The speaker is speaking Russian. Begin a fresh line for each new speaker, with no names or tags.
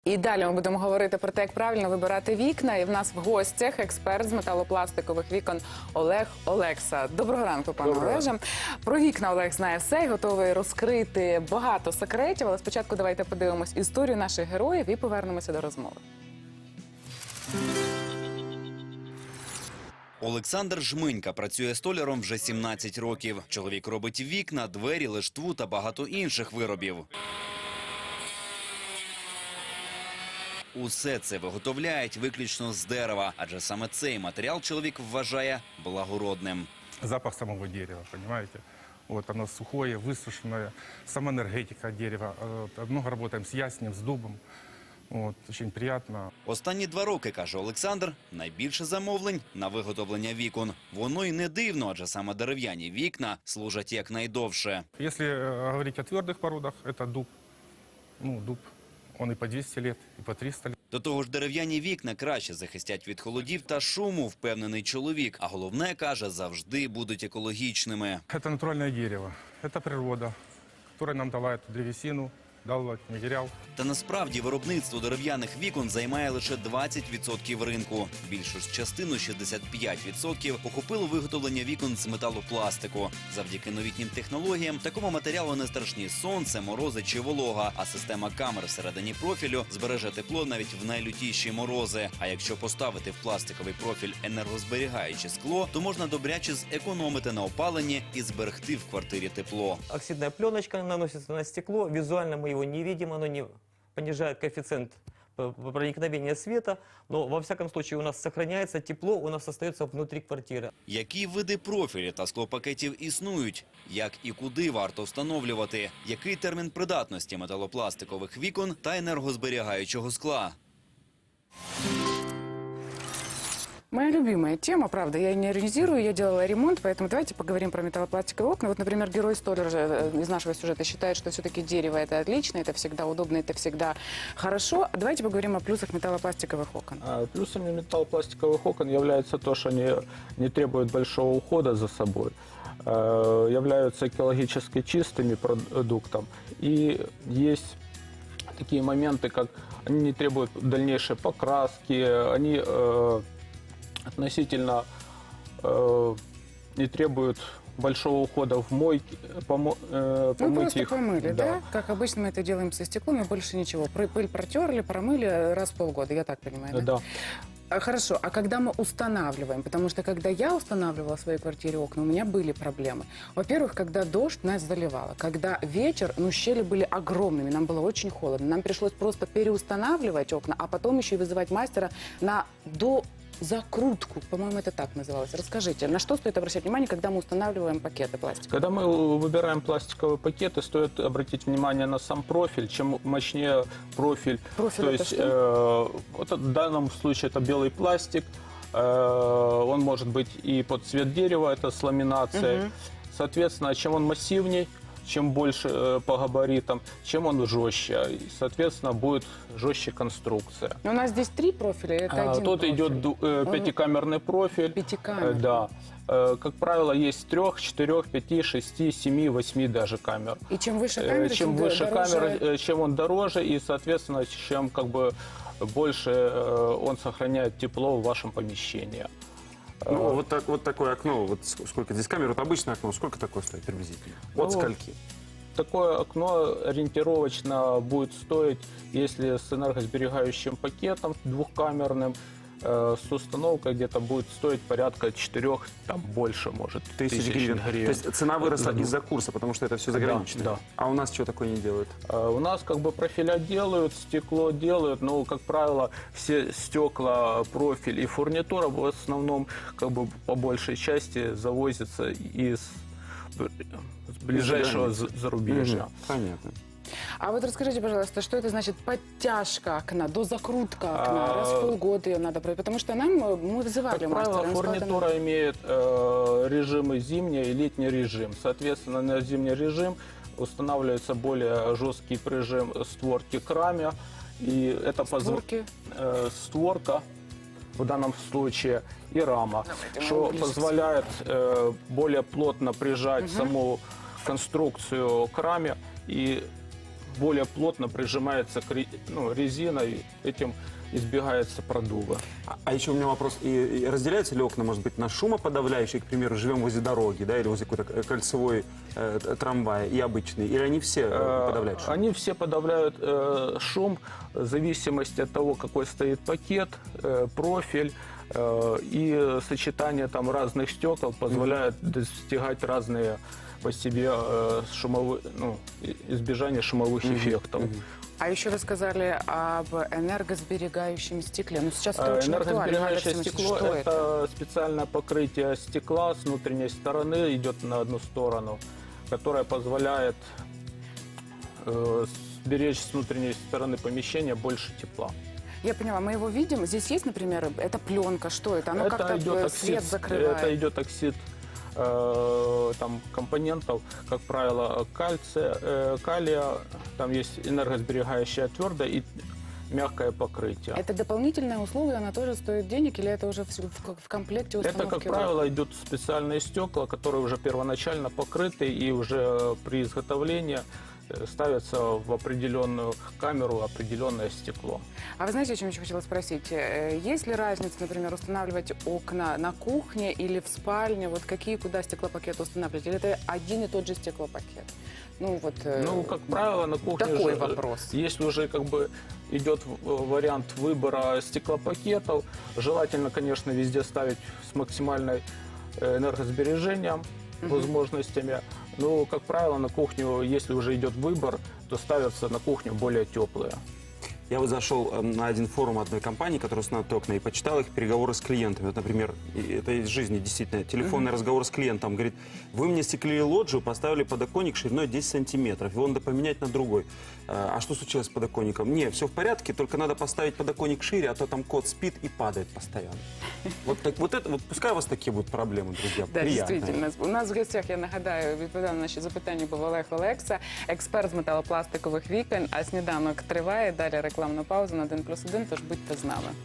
І далі ми будемо говорити про те, як правильно вибирати вікна. І в нас в гостях експерт з металопластикових вікон Олег Олекса. Доброго ранку, пане Олеже. Про вікна Олег знає все і готовий розкрити багато секретів. Але спочатку давайте подивимось історію наших героїв і повернемося до розмови.
Олександр Жминька працює столяром вже 17 років. Чоловік робить вікна, двері, лиштву та багато інших виробів. Усе це виготовляють виключно з дерева, адже саме цей матеріал чоловік вважає благородним.
Запах самого дерева, понимаете? Вот оно сухое, высушенное, сама энергетика дерева. Много работаем с яснем, с дубом. Вот, очень приятно.
Останні 2 роки, каже Олександр, найбільше замовлень на виготовлення вікон. Воно й не дивно, адже саме дерев'яні вікна служать якнайдовше.
Если говорить о твердых породах, это дуб. Ну, дуб, он и по 200 лет, и по 300 лет.
До того ж, дерев'яні вікна краще захистять від холодів та шуму, впевнений чоловік. А головне, каже, завжди будуть екологічними.
Это натуральное дерево, это природа, которая нам дала эту древесину, дал этот материал.
Та насправді виробництво дерев'яних вікон займає лише 20% ринку. Більшу ж частину, 65%, охопило виготовлення вікон з металопластику. Завдяки новітнім технологіям такому матеріалу не страшні сонце, морози чи волога, а система камер всередині профілю збереже тепло навіть в найлютіші морози. А якщо поставити в пластиковий профіль енергозберігаюче скло, то можна добряче зекономити на опаленні і зберегти в квартирі тепло.
Оксидная пленочка наносится на стекло, визуально мы его не видим, оно не понижает коэффициент проникновения света, но во всяком случае у нас сохраняется тепло, у нас остается внутри квартиры.
Які види профілі та склопакетів існують? Як і куди варто встановлювати? Який термін придатності металопластикових вікон та енергозберігаючого скла?
Моя любимая тема, правда, я не иронизирую, я делала ремонт, поэтому давайте поговорим про металлопластиковые окна. Вот, например, герой столяр из нашего сюжета считает, что все-таки дерево это отлично, это всегда удобно, это всегда хорошо. Давайте поговорим о плюсах металлопластиковых окон.
Плюсами металлопластиковых окон является то, что они не требуют большого ухода за собой, являются экологически чистыми продуктом. И есть такие моменты, как они не требуют дальнейшей покраски, они относительно не требуют большого ухода в мойке,
Мы
помыть
просто
их.
помыли, да? Как обычно мы это делаем со стеклом, и больше ничего. Пыль протерли, промыли раз в полгода, я так понимаю, да?
Да.
Хорошо, а когда мы устанавливаем? Потому что когда я устанавливала в своей квартире окна, у меня были проблемы. Во-первых, когда дождь, нас заливало. Когда вечер, щели были огромными, нам было очень холодно. Нам пришлось просто переустанавливать окна, а потом еще и вызывать мастера на закрутку, по-моему, это так называлось. Расскажите, на что стоит обращать внимание, когда мы устанавливаем пакеты пластика?
Когда мы выбираем пластиковые пакеты, стоит обратить внимание на сам профиль. Чем мощнее профиль,
Профиль
то
это
есть
что?
вот в данном случае это белый пластик, он может быть и под цвет дерева, это с ламинацией. Соответственно, чем он массивней, чем больше по габаритам, чем он жестче. И, соответственно, будет жестче конструкция.
У нас здесь 3 профиля, это один
Тут
профиль.
идет пятикамерный профиль.
Пятикамерный.
Да. Как правило, есть 3, 4, 5, 6, 7, 8 даже камер.
И чем выше камера,
Чем выше
дороже...
камера, чем он дороже, и, соответственно, чем как бы больше он сохраняет тепло в вашем помещении.
Ну, вот такое окно, вот сколько здесь камер, вот обычное окно, сколько такое стоит приблизительно? От скольки?
Такое окно ориентировочно будет стоить, если с энергосберегающим пакетом двухкамерным, с установкой где-то будет стоить порядка 4, там больше, может,
Тысяч гривен. То есть цена выросла из-за курса, потому что это все заграничное?
Да.
А у нас что такое не делают?
У нас как бы профиля делают, стекло делают, но, как правило, все стекла, профиль и фурнитура в основном как бы по большей части завозятся из ближайшего зарубежья.
Понятно.
А вот расскажите, пожалуйста, что это значит подтяжка окна, дозакрутка окна? Раз в полгода ее надо проверить, потому что мы вызывали
Как
мастера.
правило,
он сказал,
фурнитура имеет режимы зимний и летний режим. Соответственно, на зимний режим устанавливается более жесткий прижим створки к раме. И это
Створки?
створка в данном случае и рама, что позволяет более плотно прижать саму конструкцию к раме и более плотно прижимается к резина, и этим избегается продува.
А еще у меня вопрос. И разделяются ли окна, может быть, на шумоподавляющие, к примеру, живем возле дороги, да, или возле какой-то кольцевой трамвая, и обычные? Или они все подавляют шум?
Они все подавляют шум в зависимости от того, какой стоит пакет, профиль. И сочетание там разных стекол позволяет достигать разные по себе избежание шумовых эффектов.
А еще вы сказали об энергосберегающем стекле. Ну, сейчас это очень актуально.
Энергосберегающее
Алексей
стекло
Максимович, что
это специальное покрытие стекла с внутренней стороны, идет на одну сторону, которое позволяет сберечь с внутренней стороны помещения больше тепла.
Я поняла, мы его видим. Здесь есть, например, это пленка. Что это? Оно
Это
как-то
идет
свет закрывает.
Это идет оксид там компонентов, как правило, калия, там есть энергосберегающее твердое и мягкое покрытие.
Это дополнительное условие, она тоже стоит денег, или это уже в комплекте установки?
Это, как правило, идут специальные стекла, которые уже первоначально покрыты, и уже при изготовлении ставится в определенную камеру определенное стекло.
А вы знаете, о чем еще хотела спросить? Есть ли разница, например, устанавливать окна на кухне или в спальне? Вот какие, куда стеклопакеты устанавливать? Или это один и тот же стеклопакет? Ну, вот,
как правило, на кухне
такой
же,
вопрос.
если уже идет вариант выбора стеклопакетов, желательно, конечно, везде ставить с максимальной энергосбережением, возможностями. Но, как правило, на кухню, если уже идет выбор, то ставятся на кухню более теплые.
Я вот зашел на один форум одной компании, которая устанавливает окна, и почитал их переговоры с клиентами. Вот, например, это из жизни действительно. Телефонный разговор с клиентом. Говорит, вы мне стеклили лоджию, поставили подоконник шириной 10 сантиметров. Его надо поменять на другой. А что случилось с подоконником? Не, все в порядке, только надо поставить подоконник шире, а то там кот спит и падает постоянно. Вот пускай у вас такие будут проблемы, друзья.
Да,
Приятно.
дійсно. У нас в гостях, я нагадаю, відповідав на наші запитання був Олег Олекса, експерт з металопластикових вікон. А сніданок триває. Далі рекламна пауза на 1+1, тож будьте з нами.